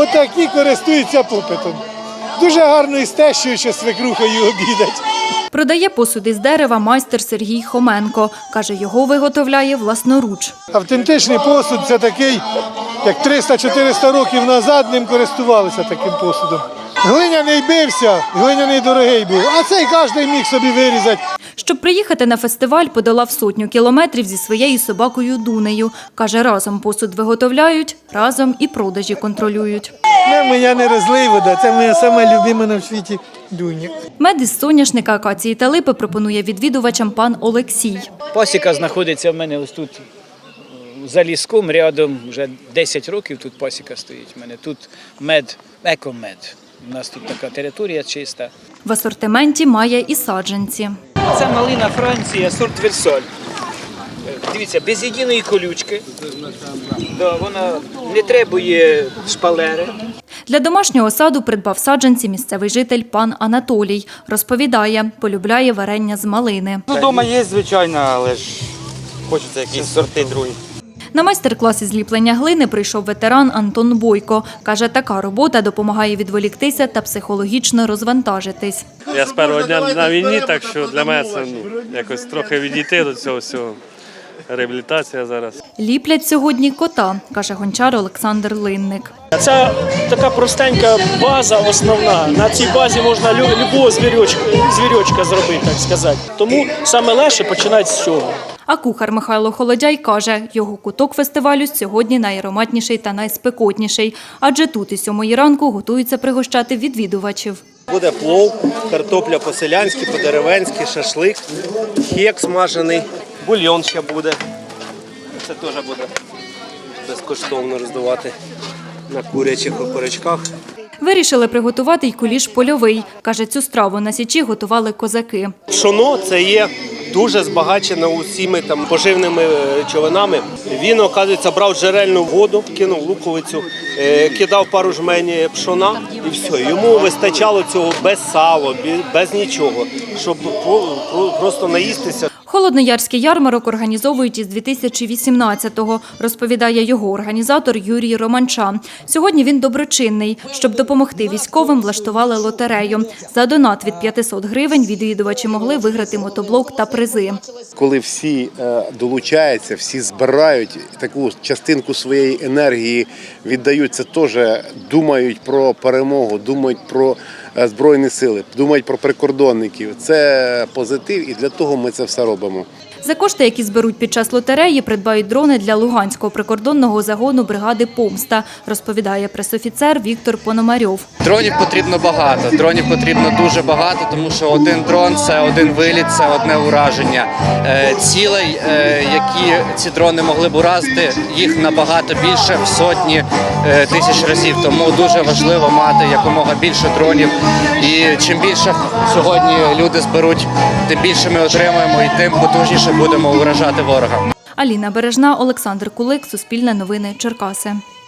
отакі користуються попитом. Дуже гарно із тещою, що свекрухою обідать. Продає посуд із дерева майстер Сергій Хоменко. Каже, його виготовляє власноруч. Автентичний посуд – це такий, як 300-400 років назад ним користувалися таким посудом. Глиняний бився, глиняний дорогий був, а цей кожен міг собі вирізати. Щоб приїхати на фестиваль, подолав 100 кілометрів зі своєю собакою Дунею. Каже, разом посуд виготовляють, разом і продажі контролюють. Моя не розлива, це моя сама любима на світі Дуня. Мед із соняшника, акації та липи пропонує відвідувачам пан Олексій. Пасіка знаходиться в мене ось тут за ліском, рядом, вже 10 років тут пасіка стоїть. У мене тут мед, екомед. У нас тут така територія чиста. В асортименті має і саджанці. Це малина Франція, сорт Версаль. Дивіться, без єдиної колючки. Вона не требує шпалери. Для домашнього саду придбав саджанці місцевий житель пан Анатолій. Розповідає, полюбляє варення з малини. Вдома є, звичайно, але ж хочеться якісь сорти другі. На майстер-клас із ліплення глини прийшов ветеран Антон Бойко. Каже, така робота допомагає відволіктися та психологічно розвантажитись. Я з першого дня на війні, так що для мене це якось трохи відійти до цього всього. Реабілітація зараз. Ліплять сьогодні кота, каже гончар Олександр Линник. Це така простенька база основна. На цій базі можна любого звірочка зробити, так сказати. Тому саме легше починати з цього. А кухар Михайло Холодяй каже, його куток фестивалю сьогодні найароматніший та найспекотніший. Адже тут із 7 ранку готуються пригощати відвідувачів. Буде плов, картопля по-селянськи, по-деревенськи, шашлик, хек смажений, бульйон ще буде. Це теж буде безкоштовно роздавати на курячих окорочках. Вирішили приготувати й куліш польовий. Каже, цю страву на Січі готували козаки. Пшоно – це є дуже збагачено усіми поживними речовинами. Він, оказується, брав джерельну воду, кинув луковицю, кидав пару жмень пшона і все. Йому вистачало цього без сала, без нічого, щоб просто наїстися. Холодноярський ярмарок організовують із 2018-го, розповідає його організатор Юрій Романча. Сьогодні він доброчинний. Щоб допомогти військовим, влаштували лотерею. За донат від 500 гривень відвідувачі могли виграти мотоблок та призи. Коли всі долучаються, всі збирають таку частинку своєї енергії, віддають, це теж думають про перемогу, думають про Збройні сили, думають про прикордонників. Це позитив і для того ми це все робимо. За кошти, які зберуть під час лотереї, придбають дрони для Луганського прикордонного загону бригади «Помста», розповідає пресофіцер Віктор Пономарьов. Дронів потрібно багато, дронів потрібно дуже багато, тому що один дрон – це один виліт, це одне ураження. Цілей, які ці дрони могли б уразити, їх набагато більше, в сотні тисяч разів. Тому дуже важливо мати якомога більше дронів. І чим більше сьогодні люди зберуть, тим більше ми отримуємо і тим потужніше будемо уражати ворога. Аліна Бережна, Олександр Кулик, Суспільне новини, Черкаси.